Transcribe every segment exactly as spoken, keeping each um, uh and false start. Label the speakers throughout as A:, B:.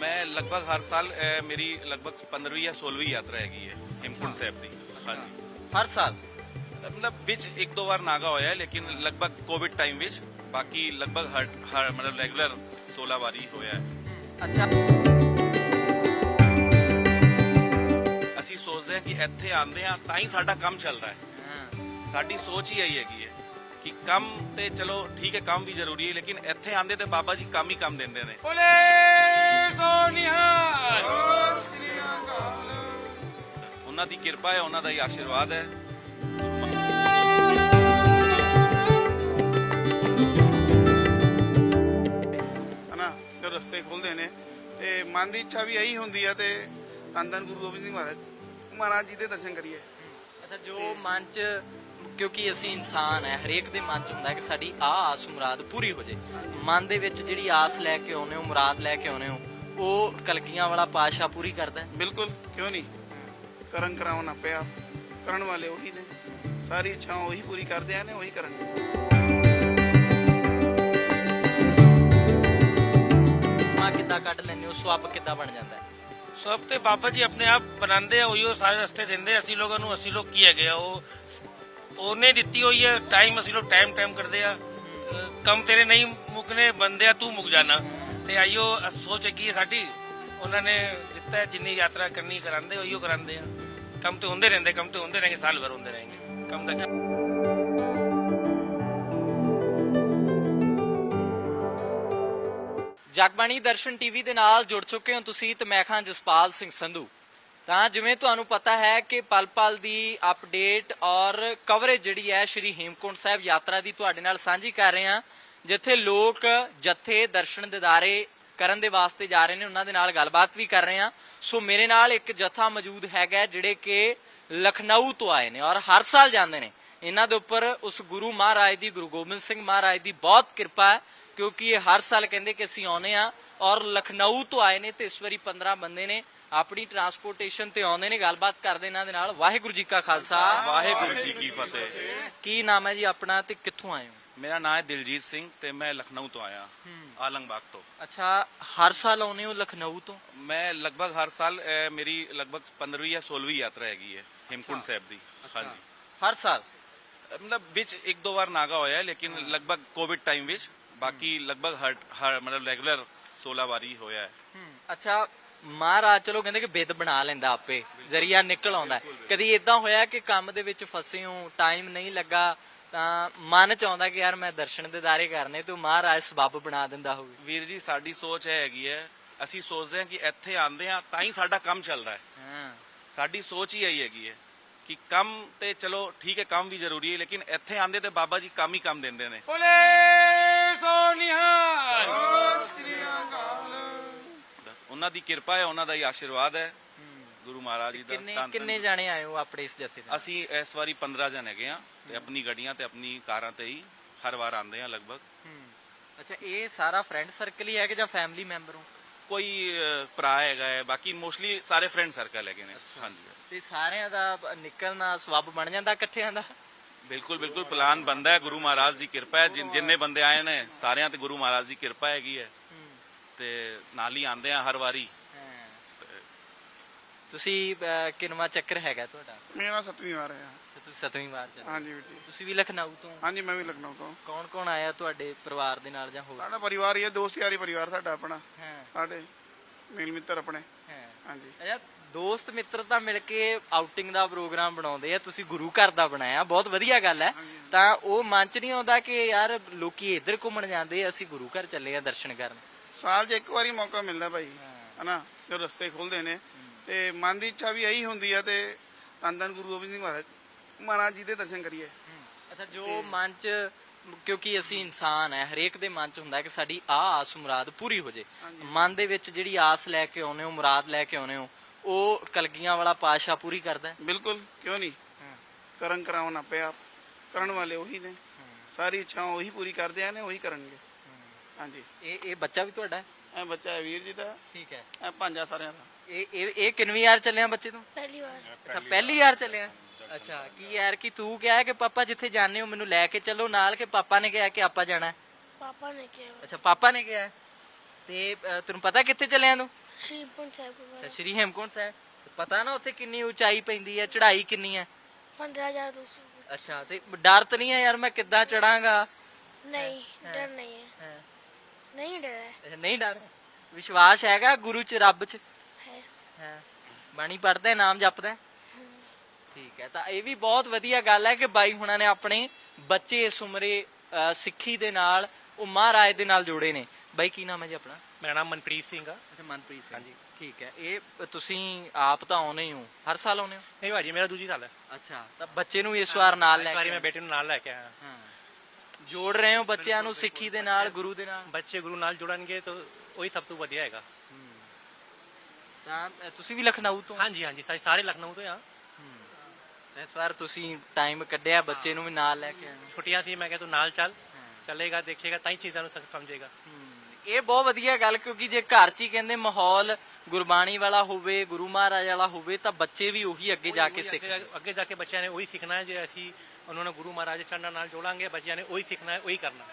A: मैं लगभग हर साल अ, मेरी लगभग पंद्रहवीं या सोलहवीं यात्रा हैगी है हेमकुंड साहब दी। हाँ जी,
B: हर साल
A: मतलब विच एक दो बार नागा होया है, लेकिन लगभग कोविड टाइम विच बाकी लगभग हर हर मतलब रेगुलर सोलह बार ही होया है।
B: अच्छा
A: ਅਸੀਂ ਸੋਚਦੇ ਹਾਂ ਕਿ ਇੱਥੇ ਆਂਦੇ ਆ ਤਾਂ ਹੀ ਸਾਡਾ ਕੰਮ ਚੱਲਦਾ ਹੈ। ਸਾਡੀ ਸੋਚ ਹੀ ਇਹੀ ਹੈਗੀ ਹੈ ਕਿ ਕੰਮ ਤੇ ਚਲੋ ਠੀਕ ਹੈ, ਕੰਮ ਵੀ ਜ਼ਰੂਰੀ ਹੈ, ਲੇਕਿਨ ਇੱਥੇ ਆਂਦੇ ਤੇ ਬਾਬਾ ਜੀ ਕੰਮ ਹੀ ਕੰਮ ਦਿੰਦੇ ਨੇ।
C: ਬੋਲੇ ਸੋ ਨਿਹਾਲ।
A: ਉਹਨਾਂ ਦੀ ਕਿਰਪਾ ਹੈ, ਉਹਨਾਂ ਦਾ ਹੀ ਆਸ਼ੀਰਵਾਦ ਹੈ।
D: ਹਨਾ ਜੋ ਰਸਤੇ ਖੁੱਲਦੇ ਨੇ ਤੇ ਮਨ ਦੀ ਇੱਛਾ ਵੀ ਇਹੀ ਹੁੰਦੀ ਹੈ ਤੇ ਧੰਨ ਧੰਨ ਗੁਰੂ ਗੋਬਿੰਦ ਸਿੰਘ ਮਹਾਰਾਜ ਮਹਾਰਾਜ ਜੀ ਦੇ ਦਰਸ਼ਨ ਕਰੀਏ।
B: ਅੱਛਾ ਜੋ ਮਨ ਚ, ਕਿਉਂਕਿ ਅਸੀਂ ਇਨਸਾਨ ਹੈ, ਹਰੇਕ ਦੇ ਮਨ ਚ ਹੁੰਦਾ ਕਿ ਸਾਡੀ ਆਹ ਆਸ ਮੁਰਾਦ ਪੂਰੀ ਹੋ ਜੇ। ਮਨ ਦੇ ਵਿੱਚ ਜਿਹੜੀ ਆਸ ਲੈ ਕੇ ਆਉਨੇ ਹੋ, ਮੁਰਾਦ ਲੈ ਕੇ ਆਉਨੇ ਹੋ, ਉਹ ਕਲਗੀਆਂ ਵਾਲਾ ਪਾਤਸ਼ਾਹ ਪੂਰੀ ਕਰਦਾ ਹੈ।
D: ਬਿਲਕੁਲ, ਕਿਉਂ ਨਹੀਂ। ਕਰਨ ਕਰਾਉਣਾ ਪਿਆ, ਕਰਨ ਵਾਲੇ ਉਹੀ ਨੇ, ਸਾਰੀ ਇੱਛਾਵਾਂ ਉਹੀ ਪੂਰੀ ਕਰਦੇ ਨੇ, ਉਹੀ ਕਰਨਗੇ।
B: ਮਾਂ ਕਿੱਦਾਂ ਕੱਢ ਲੈਂਦੇ ਹੋ, ਸਵੱਬ ਕਿੱਦਾਂ ਬਣ ਜਾਂਦਾ ਹੈ?
C: ਸਭ ਤੇ ਬਾਬਾ ਜੀ ਆਪਣੇ ਆਪ ਬਣਾਉਂਦੇ ਆ, ਉਹੀਓ ਸਾਰੇ ਰਸਤੇ ਦਿੰਦੇ। ਅਸੀਂ ਲੋਕਾਂ ਨੂੰ, ਅਸੀਂ ਲੋਕ ਕੀ ਹੈਗੇ ਆ, ਉਹ ਉਹਨੇ ਦਿੱਤੀ ਹੋਈ ਹੈ ਟਾਈਮ। ਅਸੀਂ ਲੋਕ ਟਾਈਮ ਟਾਈਮ ਕਰਦੇ ਆ, ਕੰਮ ਤੇਰੇ ਨਹੀਂ ਮੁੱਕਨੇ ਬੰਦੇ ਆ, ਤੂੰ ਮੁੱਕ ਜਾਣਾ। ਤੇ ਆਈਓ ਸੋਚ ਕੀ ਹੈ ਸਾਡੀ, ਉਹਨਾਂ ਨੇ ਦਿੱਤਾ ਜਿੰਨੀ ਯਾਤਰਾ ਕਰਨੀ ਕਰਾਉਂਦੇ, ਉਹੀਓ ਕਰਾਉਂਦੇ ਆ। ਕੰਮ ਤੇ ਹੁੰਦੇ ਰਹਿੰਦੇ, ਕੰਮ ਤੇ ਹੁੰਦੇ ਰਹਿਣਗੇ, ਸਾਲ ਭਰ ਹੁੰਦੇ ਰਹਿਣਗੇ ਕੰਮ ਦਾ।
B: ਜਗਬਾਣੀ ਦਰਸ਼ਨ ਟੀਵੀ ਦੇ ਨਾਲ ਜੁੜ ਚੁੱਕੇ ਹੋ ਤੁਸੀਂ ਤੇ ਮੈਂ ਖਾਂ ਜਸਪਾਲ ਸਿੰਘ ਸੰਧੂ। ਤਾਂ ਜਿਵੇਂ ਤੁਹਾਨੂੰ ਪਤਾ ਹੈ ਕਿ ਪਲ ਪਲ ਦੀ ਅਪਡੇਟ ਔਰ ਕਵਰੇਜ ਜਿਹੜੀ ਹੈ ਸ਼੍ਰੀ ਹੇਮਕੁੰਟ ਸਾਹਿਬ ਯਾਤਰਾ ਦੀ ਤੁਹਾਡੇ ਨਾਲ ਸਾਂਝੀ ਕਰ ਰਹੇ ਹਾਂ, ਜਿੱਥੇ ਲੋਕ ਜੱਥੇ ਦਰਸ਼ਨ ਦਿਦਾਰੇ ਕਰਨ ਦੇ ਵਾਸਤੇ ਜਾ ਰਹੇ ਨੇ, ਉਹਨਾਂ ਦੇ ਨਾਲ ਗੱਲਬਾਤ ਵੀ ਕਰ ਰਹੇ ਹਾਂ। ਸੋ ਮੇਰੇ ਨਾਲ ਇੱਕ ਜੱਥਾ ਮੌਜੂਦ ਹੈਗਾ ਜਿਹੜੇ ਕਿ ਲਖਨਊ ਤੋਂ ਆਏ ਨੇ ਔਰ ਹਰ ਸਾਲ ਜਾਂਦੇ ਨੇ। ਇਹਨਾਂ ਦੇ ਉੱਪਰ ਉਸ ਗੁਰੂ ਮਹਾਰਾਜ ਦੀ, ਗੁਰੂ ਗੋਬਿੰਦ ਸਿੰਘ ਮਹਾਰਾਜ ਦੀ ਬਹੁਤ ਕਿਰਪਾ ਹੈ, ਕਿਉਂਕਿ ਇਹ ਹਰ ਸਾਲ ਕਹਿੰਦੇ ਕਿ ਅਸੀਂ ਆਉਨੇ ਆ ਔਰ ਲਖਨਊ ਤੋਂ ਆਏ ਨੇ ਤੇ ਇਸ ਵਾਰੀ ਪੰਦਰਾਂ ਬੰਦੇ ਨੇ ਆਪਣੀ ਟਰਾਂਸਪੋਰਟੇਸ਼ਨ ਤੇ ਆਉਂਦੇ ਨੇ। ਗੱਲਬਾਤ ਕਰਦੇ ਇਹਨਾਂ ਦੇ ਨਾਲ। ਵਾਹਿਗੁਰੂ ਜੀ ਕਾ ਖਾਲਸਾ,
A: ਵਾਹਿਗੁਰੂ ਜੀ ਕੀ ਫਤਿਹ।
B: ਕੀ ਨਾਮ ਹੈ ਜੀ ਆਪਣਾ ਤੇ ਕਿੱਥੋਂ ਆਏ ਹੋ?
A: ਮੇਰਾ ਨਾਮ ਹੈ ਦਿਲਜੀਤ ਸਿੰਘ ਤੇ ਮੈਂ ਲਖਨਊ ਤੋਂ ਆਇਆ, ਆਲਮਬਾਗ ਤੋਂ।
B: ਅੱਛਾ, ਹਰ ਸਾਲ ਆਉਨੇ ਹੋ ਲਖਨਊ ਤੋਂ?
A: ਮੈਂ ਲਗਭਗ ਹਰ ਸਾਲ ਅ, ਮੇਰੀ ਲਗਭਗ ਪੰद्रहवीं ਜਾਂ सोलहवीं ਯਾਤਰਾ ਹੈਗੀ ਹੈ हेमकुंड साहब ਦੀ। हाँ जी,
B: ਹਰ ਸਾਲ
A: मतलब विच एक दो बार नागा होया है, लेकिन लगभग कोविड टाइम विच बाकी लगभग हर हर मतलब रेगुलर सोलह बार ही होया है।
B: ਅੱਛਾ, ਮਹਾਰਾਜ ਚਲੋ ਕਹਿੰਦੇ ਕਿ ਬਿੱਦ ਬਣਾ ਲੈਂਦਾ, ਆਪੇ ਜ਼ਰੀਆ ਨਿਕਲ ਆਉਂਦਾ। ਕਦੀ ਇਦਾਂ ਹੋਇਆ ਕਿ ਕੰਮ ਦੇ ਵਿੱਚ ਫਸੇ ਹੋ, ਟਾਈਮ ਨਹੀਂ ਲੱਗਾ, ਤਾਂ ਮਨ ਚ ਆਉਂਦਾ ਕਿ ਯਾਰ ਮੈਂ ਦਰਸ਼ਨ ਦਿਦਾਰੇ ਕਰਨੇ, ਤੇ ਮਹਾਰਾਜ ਸਬੱਬ ਬਣਾ ਦਿੰਦਾ ਹੋਵੇ?
A: ਵੀਰ ਜੀ, ਸਾਡੀ ਸੋਚ ਇਹ ਹੈਗੀ ਹੈ, ਅਸੀਂ ਸੋਚਦੇ ਹਾਂ ਕਿ ਇੱਥੇ ਆਂਦੇ ਆ ਤਾਂ ਹੀ ਸਾਡਾ ਕੰਮ ਚੱਲਦਾ ਹੈ।
B: ਹਾਂ,
A: ਸਾਡੀ ਸੋਚ ਹੀ ਇਹੀ ਹੈਗੀ ਹੈ ਕਿ ਕੰਮ ਤੇ ਚਲੋ ਠੀਕ ਹੈ, ਕੰਮ ਵੀ ਜ਼ਰੂਰੀ ਹੈ, ਲੇਕਿਨ ਇੱਥੇ ਆਂਦੇ ਤੇ ਬਾਬਾ ਜੀ ਕੰਮ ਹੀ ਕੰਮ ਦਿੰਦੇ ਨੇ।
C: ਬੋਲੇ ਸੋ ਨਿਹਾਲ।
A: ਬਸ ਉਹਨਾਂ ਦੀ ਕਿਰਪਾ ਹੈ, ਉਹਨਾਂ ਦਾ ਹੀ ਆਸ਼ੀਰਵਾਦ ਹੈ, ਗੁਰੂ ਮਹਾਰਾਜ ਜੀ ਦਾ।
B: ਕਿੰਨੇ
A: ਧੰਨ ਧੰਨ
B: ਕਿੰਨੇ ਜਾਣੇ ਆਏ ਹੋ ਆਪਣੇ ਇਸ ਜਥੇ ਦੇ?
A: ਅਸੀਂ ਇਸ ਵਾਰੀ ਪੰਦਰਾਂ ਜਣ ਹੈਗੇ ਆ ਤੇ ਆਪਣੀ ਗੱਡੀਆਂ ਤੇ ਆਪਣੀ ਕਾਰਾਂ ਤੇ ਹੀ ਹਰ ਵਾਰ ਆਂਦੇ ਆ ਲਗਭਗ।
B: ਅੱਛਾ, ਇਹ ਸਾਰਾ ਫਰੈਂਡ ਸਰਕਲ ਹੀ ਹੈ ਕਿ ਜਾਂ ਫੈਮਿਲੀ ਮੈਂਬਰ ਹੋ?
A: ਕੋਈ ਅ, ਭਰਾ ਹੈਗਾ ਹੈ, ਬਾਕੀ ਮੋਸਟਲੀ ਸਾਰੇ ਫਰੈਂਡ ਸਰਕਲ ਹੈਗੇ ਨੇ। ਹਾਂਜੀ,
B: ਤੇ ਸਾਰਿਆਂ ਦਾ ਨਿਕਲਣਾ ਸਬੱਬ ਬਣ ਜਾਂਦਾ ਇਕੱਠਿਆਂ ਦਾ?
A: ਬਿਲਕੁਲ ਬਿਲकुल ਪਲਾਨ ਬਣਦਾ ਹੈ, ਗੁਰੂ ਮਹਾਰਾਜ ਦੀ ਕਿਰਪਾ ਹੈ। ਜਿਨ- ਜਿੰਨੇ ਬੰਦੇ ਆਏ ਨੇ ਸਾਰਿਆਂ ਤੇ ਗੁਰੂ ਮਹਾਰਾਜ ਦੀ ਕਿਰਪਾ ਹੈਗੀ ਹੈ ਤੇ ਨਾਲ ਹੀ ਆਂਦੇ ਆ ਹਰ ਵਾਰੀ।
B: ਤੁਸੀਂ ਅਹ, ਕਿੰਨਵਾਂ ਚੱਕਰ ਹੈਗਾ ਤੁਹਾਡਾ?
D: ਮੇਰਾ ਸੱਤਵੀਂ ਵਾਰ ਹੈ।
B: ਤੇ ਤੁਸੀਂ ਸੱਤਵੀਂ ਵਾਰ ਚੱਲੇ?
D: ਹਾਂਜੀ ਵੀਰ ਜੀ।
B: ਤੁਸੀਂ ਵੀ ਲਖਨਊ ਤੋਂ?
D: ਹਾਂਜੀ, ਮੈਂ ਵੀ ਲਖਨਊ ਤੋਂ।
B: ਕੌਣ ਕੌਣ ਆਇਆ ਤੁਹਾਡੇ ਪਰਿਵਾਰ ਦੇ ਨਾਲ ਜਾਂ ਹੋਰ?
D: ਸਾਡਾ ਪਰਿਵਾਰ ਹੀ ਹੈ, ਦੋਸਤ ਯਾਰੀ ਪਰਿਵਾਰ ਸਾਡਾ ਆਪਣਾ,
B: ਹਾਂ
D: ਸਾਡੇ ਮੇਲ ਮਿੱਤਰ ਆਪਣੇ।
B: ਹਾਂ।
D: ਹਾਂਜੀ,
B: ਅੱਛਾ, ਦੋਸਤ ਮਿੱਤਰ ਤਾਂ ਮਿਲ ਕੇ ਆਊਟਿੰਗ ਦਾ ਪ੍ਰੋਗਰਾਮ ਬਣਾਉਂਦੇ ਆ, ਤੁਸੀਂ ਗੁਰੂ ਘਰ ਦਾ ਬਣਾਇਆ, ਬਹੁਤ ਵਧੀਆ ਗੱਲ ਹੈ। ਤਾਂ ਉਹ ਮਨ ਚ ਨਹੀਂ ਆਉਂਦਾ ਕਿ ਯਾਰ ਲੋਕੀ ਇੱਧਰ ਘੁੰਮਣ ਜਾਂਦੇ, ਅਸੀਂ ਗੁਰੂ ਘਰ ਚੱਲੇ ਆ ਦਰਸ਼ਨ ਕਰਨ?
D: ਸਾਲ 'ਚ ਇੱਕ ਵਾਰੀ ਮੌਕਾ ਮਿਲਦਾ ਭਾਈ, ਹਨਾ ਜੋ ਰਸਤੇ ਖੁੱਲਦੇ ਨੇ ਤੇ ਮਨ ਦੀ ਇੱਛਾ ਵੀ ਇਹੀ ਹੁੰਦੀ ਹੈ ਤੇ ਧੰਨ ਧੰਨ ਗੁਰੂ ਗੋਬਿੰਦ ਸਿੰਘ ਮਹਾਰਾਜ ਮਹਾਰਾਜ ਜੀ ਦੇ ਦਰਸ਼ਨ ਕਰੀਏ।
B: ਅੱਛਾ, ਜੋ ਮਨ ਚ, ਕਿਉਂਕਿ ਅਸੀਂ ਇਨਸਾਨ ਹੈ, ਹਰੇਕ ਦੇ ਮਨ ਚ ਹੁੰਦਾ ਕਿ ਸਾਡੀ ਆਹ ਆਸ ਮੁਰਾਦ ਪੂਰੀ ਹੋ ਜੇ। ਮਨ ਦੇ ਵਿੱਚ ਜਿਹੜੀ ਆਸ ਲੈ ਕੇ ਆਉਨੇ ਹੋ, ਮੁਰਾਦ ਲੈ ਕੇ ਆਉਨੇ ਹੋ, ਉਹ ਕਲਗੀਆਂ ਵਾਲਾ ਪਾਤਸ਼ਾਹ ਪੂਰੀ ਕਰਦਾ ਹੈ।
D: ਬਿਲਕੁਲ, ਕਿਉਂ ਨਹੀਂ। ਕਰਨ ਕਰਾਉਣਾ ਪਿਆ, ਕਰਨ ਵਾਲੇ ਉਹੀ ਨੇ, ਸਾਰੀ ਇੱਛਾਵਾਂ ਉਹੀ ਪੂਰੀ ਕਰਦੇ ਨੇ, ਉਹੀ ਕਰਨਗੇ। ਹਾਂਜੀ,
B: ਇਹ ਇਹ ਬੱਚਾ ਵੀ ਤੁਹਾਡਾ ਹੈ?
D: ਇਹ ਬੱਚਾ ਹੈ ਵੀਰ ਜੀ ਦਾ,
B: ਠੀਕ ਹੈ।
D: ਇਹ ਭਾਂਜਾ ਸਾਰਿਆਂ ਦਾ।
B: ਇਹ ਇਹ ਇਹ ਕਿੰਨਵੀਂ ਯਾਰ ਚੱਲਿਆ ਬੱਚੇ ਤੋਂ?
E: ਪਹਿਲੀ ਵਾਰ।
B: ਅੱਛਾ, ਪਹਿਲੀ ਯਾਰ ਚੱਲਿਆ। ਅੱਛਾ, ਕੀ ਯਾਰ ਕਿ ਤੂੰ ਕਿਹਾ ਕਿ ਪਾਪਾ ਜਿੱਥੇ ਜਾਂਦੇ ਹੋ ਮੈਨੂੰ ਲੈ ਕੇ ਚੱਲੋ ਨਾਲ, ਕਿ ਪਾਪਾ ਨੇ ਕਿਹਾ ਕਿ ਆਪਾਂ ਜਾਣਾ ਹੈ?
E: ਪਾਪਾ ਨੇ ਕਿਹਾ।
B: ਅੱਛਾ, ਪਾਪਾ ਨੇ ਕਿਹਾ। ਤੇ ਅਹ, ਤੈਨੂੰ ਪਤਾ ਕਿੱਥੇ ਚੱਲਿਆ ਤੂੰ?
E: ਸ਼੍ਰੀਪੁਰ ਸਾਹਿਬ
B: ਅੱਛਾ
E: ਗੁਰਦੁਆਰਾ
B: ਸ਼੍ਰੀ ਹੇਮਕੁੰਟ ਸਾਹਿਬ ਪਤਾ ਨਾ ਉੱਥੇ ਕਿੰਨੀ ਉਚਾਈ ਪੈਂਦੀ ਹੈ ਚੜ੍ਹਾਈ ਕਿੰਨੀ ਹੈ
E: ਪੰਦਰਾਂ ਹਜ਼ਾਰ ਦੋ ਸੌ
B: ਅੱਛਾ ਤੇ ਡਰ ਤਾਂ ਨਹੀਂ ਹੈ ਯਾਰ ਮੈਂ ਕਿੱਦਾਂ ਚੜਾਂਗਾ
E: ਨਹੀਂ ਡਰ ਨਹੀਂ ਹੈ ਨਹੀਂ ਡਰ ਹੈ
B: ਨਹੀਂ ਡਰ ਵਿਸ਼ਵਾਸ ਹੈਗਾ ਗੁਰੂ ਚ ਰੱਬ ਚ
E: ਹੈ
B: ਹੈ ਬਾਣੀ ਪੜਦਾ ਨਾਮ ਜਪਦਾ ਠੀਕ ਹੈ ਤਾਂ ਇਹ ਵੀ ਬਹੁਤ ਵਧੀਆ ਗੱਲ ਹੈ ਕਿ ਬਾਈ ਹੁਣਾਂ ਨੇ ਆਪਣੇ ਬੱਚੇ ਇਸ ਉਮਰੇ ਅਹ, ਸਿੱਖੀ ਦੇ ਨਾਲ ਉਹ ਮਹਾਰਾਜ ਦੇ ਨਾਲ ਜੋੜੇ ਨੇ ਬਾਈ ਕੀ ਨਾਮ ਹੈ ਜੀ ਆਪਣਾ
F: ਮੇਰਾ ਨਾਮ ਮਨਪ੍ਰੀਤ ਸਿੰਘ ਆ
B: ਅੱਛਾ ਮਨਪ੍ਰੀਤ ਸਿੰਘ ਹਾਂਜੀ ਠੀਕ ਹੈ ਇਹ ਤੁਸੀਂ ਆਪ ਤਾਂ ਆਉਨੇ ਹੋ ਹਰ ਸਾਲ ਆਉਨੇ ਹੋ
F: ਨਹੀਂ ਭਾਜੀ ਮੇਰਾ ਦੂਜੀ ਸਾਲ ਹੈ
B: ਅੱਛਾ ਤਾਂ ਬੱਚੇ ਨੂੰ ਇਸ ਵਾਰ ਨਾਲ ਲੈ
F: ਇਸ ਵਾਰੀ
B: ਕੇ
F: ਮੈਂ ਬੇਟੇ ਨੂੰ ਨਾਲ ਲੈ ਕੇ ਆਇਆ
B: ਹਾਂ ਜੋੜ ਰਹੇ ਹੋ ਬੱਚਿਆਂ ਨੂੰ ਸਿੱਖੀ ਦੇ ਨਾਲ ਗੁਰੂ ਦੇ ਨਾਲ
F: ਬੱਚੇ ਗੁਰੂ ਨਾਲ ਜੁੜਨਗੇ ਤਾਂ ਉਹੀ ਸਭ ਤੋਂ ਵਧੀਆ ਹੈਗਾ
B: ਤਾਂ ਅ, ਤੁਸੀਂ ਵੀ ਲਖਨਊ ਤੋਂ
F: ਹਾਂਜੀ ਹਾਂਜੀ ਸਾਰੇ ਸਾਰੇ ਲਖਨਊ ਤੋਂ ਆ
B: ਤਾਂ ਇਸ ਵਾਰ ਤੁਸੀਂ ਟਾਈਮ ਕੱਢਿਆ ਬੱਚੇ ਨੂੰ ਵੀ ਨਾਲ ਲੈ ਕੇ ਆਏ ਹੋ।
F: ਛੁੱਟੀਆਂ ਸੀ ਮੈਂ ਕਿਹਾ ਤੂੰ ਨਾਲ ਚੱਲ ਚੱਲੇਗਾ ਦੇਖੇਗਾ ਤਾਂ ਹੀ ਚੀਜ਼ਾਂ ਨੂੰ ਸ- ਸਮਝੇਗਾ
B: ਇਹ ਬਹੁਤ ਵਧੀਆ ਗੱਲ ਕਿਉਂਕਿ ਜੇ ਘਰ 'ਚ ਹੀ ਕਹਿੰਦੇ ਮਾਹੌਲ ਗੁਰਬਾਣੀ ਵਾਲਾ ਹੋਵੇ ਗੁਰੂ ਮਹਾਰਾਜ ਵਾਲਾ ਹੋਵੇ ਤਾਂ ਬੱਚੇ ਵੀ ਉਹੀ ਅੱਗੇ ਜਾ ਕੇ
F: ਉਹੀ
B: ਸਿੱਖ
F: ਅੱਗੇ- ਅੱਗੇ ਜਾ ਕੇ ਬੱਚਿਆਂ ਨੇ ਉਹੀ ਸਿੱਖਣਾ ਹੈ ਜੇ ਅਸੀਂ ਉਹਨਾਂ ਨੂੰ ਗੁਰੂ ਮਹਾਰਾਜ ਚੰਨਾਂ ਨਾਲ ਜੋੜਾਂਗੇ ਬੱਚਿਆਂ ਨੇ ਉਹੀ ਸਿੱਖਣਾ ਹੈ ਉਹੀ ਕਰਨਾ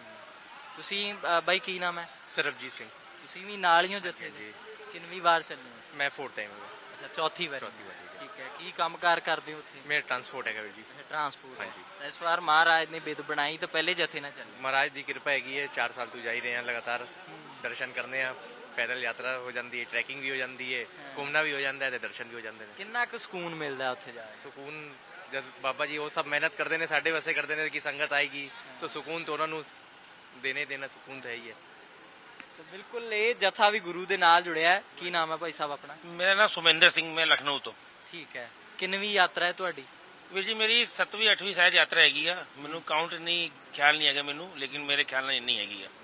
B: ਤੁਸੀਂ ਅ, ਬਾਈ ਕੀ ਨਾਮ ਹੈ
G: ਸਰਬਜੀਤ ਸਿੰਘ
B: ਤੁਸੀਂ ਵੀ ਨਾਲ ਹੀ ਹੋ ਜਥੇ ਦੇ ਕਿੰਨੀ ਵਾਰ ਚੱਲੇ ਹੋ
G: ਮੈਂ ਫੋਰਥ ਟਾਈਮ
B: ਅੱਛਾ ਚੌਥੀ ਵਾਰ
G: ਚੌਥੀ ਵਾਰੀ,
B: ਠੀਕ ਹੈ ਕੀ ਕੰਮਕਾਰ ਕਰਦੇ ਹੋ ਉੱਥੇ
G: ਮੇਰਾ ਟਰਾਂਸਪੋਰਟ ਹੈਗਾ ਵੀਰ ਜੀ
B: ਟਰਾਂਸਪੋਰਟ
G: ਹਾਂਜੀ।
B: ਤਾਂ ਇਸ ਵਾਰ ਮਹਾਰਾਜ ਨੇ ਬਿਦ ਬਣਾਈ ਤਾਂ ਪਹਿਲੇ ਜਥੇ ਨਾਲ ਚੱਲੇ
G: ਮਹਾਰਾਜ ਦੀ ਕਿਰਪਾ ਹੈਗੀ ਹੈ ਚਾਰ ਸਾਲ ਤੋਂ ਜਾ ਹੀ ਰਹੇ ਹਾਂ ਲਗਾਤਾਰ ਦਰਸ਼ਨ ਕਰਨੇ ਆ ਪੈਦਲ ਯਾਤਰਾ ਹੋ ਜਾਂਦੀ ਹੈ ਟਰੈਕਿੰਗ ਵੀ ਹੋ ਜਾਂਦੀ ਹੈ ਘੁੰਮਣਾ ਵੀ ਹੋ ਜਾਂਦਾ ਹੈ ਤੇ ਦਰਸ਼ਨ ਵੀ ਹੋ ਜਾਂਦੇ ਨੇ
B: ਕਿੰਨਾ ਕੁ ਸਕੂਨ ਮਿਲਦਾ ਉੱਥੇ ਜਾ ਕੇ
G: ਸਕੂਨ ਜਦ ਬਾਬਾ ਜੀ ਉਹ ਸਭ ਮਿਹਨਤ ਕਰਦੇ ਨੇ ਸਾਡੇ ਵਾਸਤੇ ਕਰਦੇ ਨੇ ਕਿ ਸੰਗਤ ਆਏਗੀ ਤਾਂ ਸਕੂਨ ਤਾਂ ਉਹਨਾਂ ਨੂੰ ਦੇਣੇ ਦੇਣਾ ਸਕੂਨ ਤਾਂ ਹੈ ਹੀ ਹੈ
B: ਤਾਂ ਬਿਲਕੁਲ ਇਹ ਜਥਾ ਵੀ ਗੁਰੂ ਦੇ ਨਾਲ ਜੁੜਿਆ ਹੈ ਕੀ ਨਾਮ ਹੈ ਭਾਈ ਸਾਹਿਬ ਆਪਣਾ
C: ਮੇਰਾ ਨਾਮ ਸੁਮਿੰਦਰ ਸਿੰਘ ਮੈਂ ਲਖਨਊ ਤੋਂ
B: ਠੀਕ ਹੈ ਕਿੰਨਵੀਂ ਯਾਤਰਾ ਹੈ ਤੁਹਾਡੀ
C: ਵੀਰ ਜੀ ਮੇਰੀ ਸੱਤਵੀਂ ਅੱਠਵੀਂ ਸ਼ਾਇਦ ਯਾਤਰਾ ਹੈਗੀ ਆ ਮੈਨੂੰ ਕਾਊਂਟ ਨਹੀਂ ਖਿਆਲ ਨਹੀਂ ਹੈਗਾ ਮੈਨੂੰ ਲੇਕਿਨ ਮੇਰੇ ਖਿਆਲ ਨਾਲ ਇੰਨੀ ਹੈਗੀ ਆ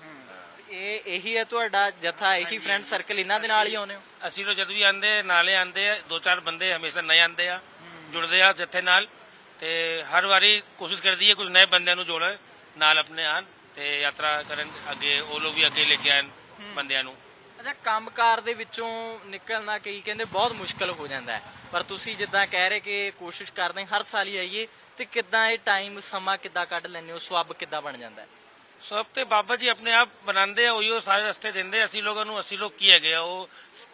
B: ਇਹ ਇਹੀ ਹੈ ਤੁਹਾਡਾ ਜਥਾ ਇਹੀ ਫਰੈਂਡ ਸਰਕਲ ਇਹਨਾਂ ਦੇ ਨਾਲ ਹੀ ਆਉਨੇ ਹੋ
C: ਅਸੀਂ ਲੋਕ ਜਦ ਵੀ ਆਂਦੇ ਨਾਲੇ ਆਂਦੇ ਆ ਦੋ ਚਾਰ ਬੰਦੇ ਹਮੇਸ਼ਾ ਨਏ ਆਂਦੇ ਆ ਜੁੜਦੇ ਆ ਜੱਥੇ ਨਾਲ ਤੇ ਹਰ ਵਾਰੀ ਕੋਸ਼ਿਸ਼ ਕਰਦੀ ਹੈ ਕੁਝ ਨਏ ਬੰਦਿਆਂ ਨੂੰ ਜੋੜਨ ਨਾਲ ਆਪਣੇ ਆਣ ਤੇ ਯਾਤਰਾ ਕਰਨ ਅੱਗੇ ਉਹ ਲੋਕ ਵੀ ਅੱਗੇ ਲੈ ਕੇ ਆਣ ਬੰਦਿਆਂ ਨੂੰ
B: ਅੱਛਾ ਕੰਮਕਾਰ ਦੇ ਵਿੱਚੋਂ ਨਿਕਲਣਾ ਕਈ ਕਹਿੰਦੇ ਬਹੁਤ ਮੁਸ਼ਕਲ ਹੋ ਜਾਂਦਾ ਹੈ ਪਰ ਤੁਸੀਂ ਜਿੱਦਾਂ ਕਹਿ ਰਹੇ ਕਿ ਕੋਸ਼ਿਸ਼ ਕਰਦੇ ਹਰ ਸਾਲ ਹੀ ਆਈਏ ਤੇ ਕਿੱਦਾਂ ਇਹ ਟਾਈਮ ਸਮਾਂ ਕਿੱਦਾਂ ਕੱਢ ਲੈਂਦੇ ਹੋ ਸਵੱਬ ਕਿੱਦਾਂ ਬਣ ਜਾਂਦਾ ਹੈ
C: ਸਭ ਤੇ ਬਾਬਾ ਜੀ ਆਪਣੇ ਆਪ ਬਣਾਉਂਦੇ ਆ ਉਹੀਓ ਸਾਰੇ ਰਸਤੇ ਦਿੰਦੇ ਅਸੀਂ ਲੋਕਾਂ ਨੂੰ ਅਸੀਂ ਲੋਕ ਕੀ ਹੈਗੇ ਆ ਉਹ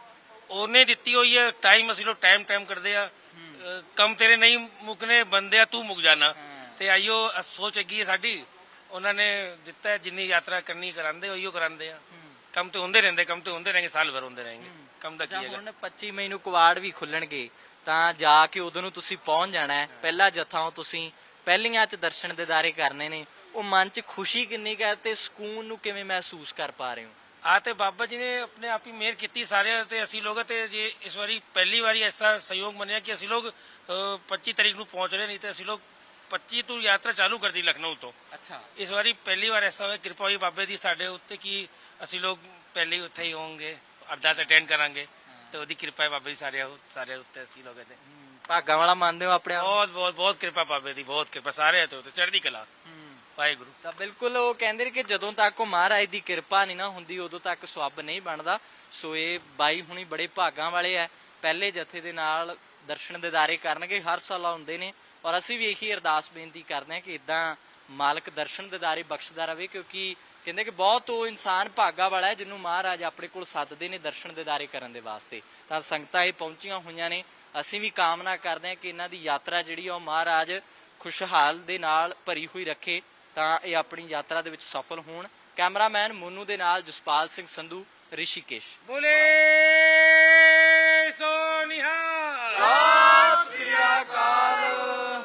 C: ਉਹਨੇ ਦਿੱਤੀ ਹੋਈ ਹੈ ਟਾਈਮ ਅਸੀਂ ਲੋਕ ਟਾਈਮ ਟਾਈਮ ਕਰਦੇ ਆ ਅਹ ਕੰਮ ਤੇਰੇ ਨਹੀਂ ਮੁੱਕਨੇ ਬੰਦੇ ਆ ਤੂੰ ਮੁੱਕ ਜਾਣਾ ਤੇ ਆਈਓ ਅ- ਸੋਚ ਹੈਗੀ ਹੈ ਸਾਡੀ ਉਹਨਾਂ ਨੇ ਦਿੱਤਾ ਹੈ, ਜਿੰਨੀ ਯਾਤਰਾ ਕਰਨੀ ਕਰਾਉਂਦੇ ਉਹੀਓ ਕਰਾਉਂਦੇ ਆ ਕੰਮ ਤੇ ਹੁੰਦੇ ਰਹਿੰਦੇ ਕੰਮ ਤੇ ਹੁੰਦੇ ਰਹਿਣਗੇ ਸਾਲ ਭਰ ਹੁੰਦੇ ਰਹਿਣਗੇ ਕੰਮ ਦਾ ਕੀ
B: ਜਾਂ
C: ਹੈਗਾ
B: ਹੁਣ ਪੱਚੀ ਮਈ ਨੂੰ ਕੁਵਾੜ ਵੀ ਖੁੱਲਣਗੇ ਤਾਂ ਜਾ ਕੇ ਉਦੋਂ ਨੂੰ ਤੁਸੀਂ ਪਹੁੰਚ ਜਾਣਾ ਹੈ ਪਹਿਲਾ ਜਥਾ ਹੋ ਤੁਸੀਂ ਪਹਿਲੀਆਂ ਚ ਦਰਸ਼ਨ ਦਿਦਾਰੇ ਕਰਨੇ ਨੇ ਉਹ ਮਨ ਚ ਖੁਸ਼ੀ ਕਿੰਨੀ ਕੁ ਹੈ ਤੇ ਸਕੂਨ ਨੂੰ ਕਿਵੇਂ ਮਹਿਸੂਸ ਕਰ ਪਾ ਰਹੇ ਹੋ
C: ਆ ਤੇ ਬਾਬਾ ਜੀ ਨੇ ਆਪਣੇ ਆਪ ਹੀ ਮਿਹਰ ਕੀਤੀ ਸਾਰਿਆਂ ਤੇ ਅਸੀਂ ਲੋਕ ਤੇ ਜੇ ਇਸ ਵਾਰੀ ਪਹਿਲੀ ਵਾਰੀ ਐਸਾ ਸਹਿਯੋਗ ਬਣਿਆ ਕਿ ਅਸੀਂ ਲੋਕ ਅਹ, ਪੱਚੀ ਤਰੀਕ ਨੂੰ ਪਹੁੰਚ ਰਹੇ ਨਹੀਂ ਤੇ ਅਸੀਂ ਲੋਕ ਪੱਚੀ ਤੋਂ ਯਾਤਰਾ ਚਾਲੂ ਕਰਦੀ ਲਖਨਊ ਤੋਂ
B: ਅੱਛਾ
C: ਇਸ ਵਾਰੀ ਪਹਿਲੀ ਵਾਰ ਐਸਾ ਹੋਇਆ ਕਿਰਪਾ ਹੋਈ ਬਾਬੇ ਦੀ ਸਾਡੇ ਉੱਤੇ ਕਿ ਅਸੀਂ ਲੋਕ ਪਹਿਲੇ ਹੀ ਉੱਥੇ ਹੀ ਹੋਵਾਂਗੇ ਅਰਦਾਸ ਅਟੈਂਡ ਕਰਾਂਗੇ ਤੇ ਉਹਦੀ ਕਿਰਪਾ ਹੈ ਬਾਬੇ ਦੀ ਸਾਡੇ ਸਾਰੇ ਉੱਤੇ ਅਸੀਂ ਲੋਕਾਂ ਤੇ
B: ਭਾਗਾਂ ਵਾਲਾ ਮੰਨਦੇ ਹੋ ਆਪਣੇ ਆਪ ਨੂੰ?
C: ਬਹੁਤ ਬਹੁਤ ਬਹੁਤ ਕਿਰਪਾ ਬਾਬੇ ਦੀ ਬਹੁਤ ਕਿਰਪਾ ਸਾਰੇ ਤੇ ਉੱਤੇ ਚੜ੍ਹਦੀ ਕਲਾ ਵਾਹਿਗੁਰੂ
B: ਤਾਂ ਬਿਲਕੁਲ ਉਹ ਕਹਿੰਦੇ ਨੇ ਕਿ ਜਦੋਂ ਤੱਕ ਉਹ ਮਹਾਰਾਜ ਦੀ ਕਿਰਪਾ ਨਹੀਂ ਨਾ ਹੁੰਦੀ ਉਦੋਂ ਤੱਕ ਸਵੱਬ ਨਹੀਂ ਬਣਦਾ ਸੋ ਇਹ ਬਾਈ ਹੁਣੀ ਬੜੇ ਭਾਗਾਂ ਵਾਲੇ ਆ ਪਹਿਲੇ ਜਥੇ ਦੇ ਨਾਲ ਦਰਸ਼ਨ ਦਿਦਾਰੇ ਕਰਨਗੇ ਹਰ ਸਾਲ ਆਉਂਦੇ ਨੇ ਔਰ ਅਸੀਂ ਵੀ ਇਹੀ ਅਰਦਾਸ ਬੇਨਤੀ ਕਰਦੇ ਹਾਂ ਕਿ ਇਦਾਂ ਮਾਲਕ ਦਰਸ਼ਨ ਦਿਦਾਰੇ ਬਖਸ਼ਦਾ ਰਵੇ ਕਿਉਂਕਿ ਕਹਿੰਦੇ ਕਿ ਬਹੁਤ ਉਹ ਇਨਸਾਨ ਭਾਗਾ ਵਾਲਾ ਹੈ ਜਿਹਨੂੰ ਮਹਾਰਾਜ ਆਪਣੇ ਕੋਲ ਸੱਦਦੇ ਨੇ ਦਰਸ਼ਨ ਦਿਦਾਰੇ ਕਰਨ ਦੇ ਵਾਸਤੇ ਤਾਂ ਸੰਗਤਾਂ ਇਹ ਪਹੁੰਚੀਆਂ ਹੋਈਆਂ ਨੇ ਅਸੀਂ ਵੀ ਕਾਮਨਾ ਕਰਦੇ ਹਾਂ ਕਿ ਇਹਨਾਂ ਦੀ ਯਾਤਰਾ ਜਿਹੜੀ ਆ ਉਹ ਮਹਾਰਾਜ ਖੁਸ਼ਹਾਲ ਦੇ ਨਾਲ ਭਰੀ ਹੋਈ ਰੱਖੇ ਤਾਂ ਇਹ ਆਪਣੀ ਯਾਤਰਾ ਦੇ ਵਿੱਚ ਸਫਲ ਹੋਣ ਕੈਮਰਾਮੈਨ ਮੋਨੂ ਦੇ ਨਾਲ ਜਸਪਾਲ ਸਿੰਘ ਸੰਧੂ ਰਿਸ਼ੀਕੇਸ਼
C: ਬੋਲੇ